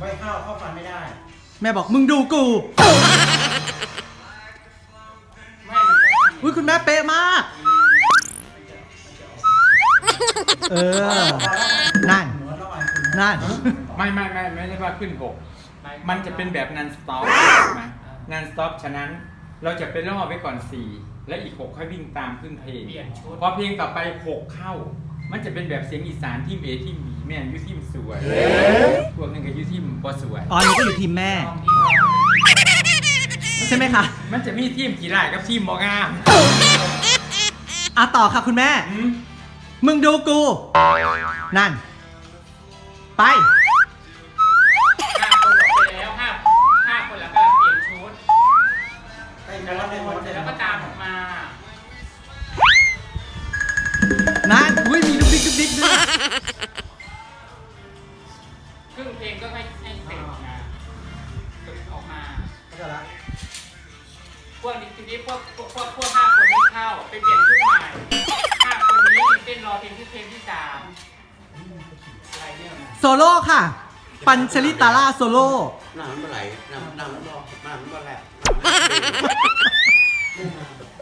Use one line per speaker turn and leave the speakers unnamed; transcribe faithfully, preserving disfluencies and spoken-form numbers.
ไม่เข้าเข้าฟันไม่ได้
แม่บอกมึงดูกู
ไม่มันต้องทำ
อุ้ยคุณแม่เป๊ะมากเออนั่นนั่น
ไม่ไม่ไม่ไม่ได้ว่าขึ้นหกมันจะเป็นแบบนันสต็อปนะนันสต็อปฉะนั้นเราจะเป็นล่อไว้ก่อนสี่และอีกหกค่อยวิ่งตามขึ้นเพลงพอเพลงต่อไปหกเข้ามันจะเป็นแบบเสียงอีสานทีมเอทีมบีแม่ยุทีมสวยพวกนึงกับยุทีมบอสวย
อ๋อนี่ก็อยู่ทีมแม่ใช่ไหมคะ
มันจะมีทีมขี่ไล่กับทีมบองาม
อ่ะต่อค่ะคุณแม่มึงดูกูนั่นไป
ห้าคนออกไปแล้วห้าห้าคนแล้วกำลังเปลี่ยนชุดแล้วก็เสร็จแล้วก็ตามออกมา
นั่นอุ้ยมีดุ๊กดิ๊กดุ๊กดิ๊กด้วย
ครึ่งเพลงก็ให้ให้เสร็จนะออกมาเข้าใจละพวกนี้ทีนี้พวกพวกพวกพวกห้าคนนี้เข้าไปเปลี่ยนชุดใหม่ห้าคนนี้เต้นรอเพลงที่เพลงที่สามอะไรเนี่ย
โซโล่ค่ะปัญชลิตาร่าโซโล่
น้ำมันไหลน้ำน้ำมันบ่น้ำมันบ่แหลก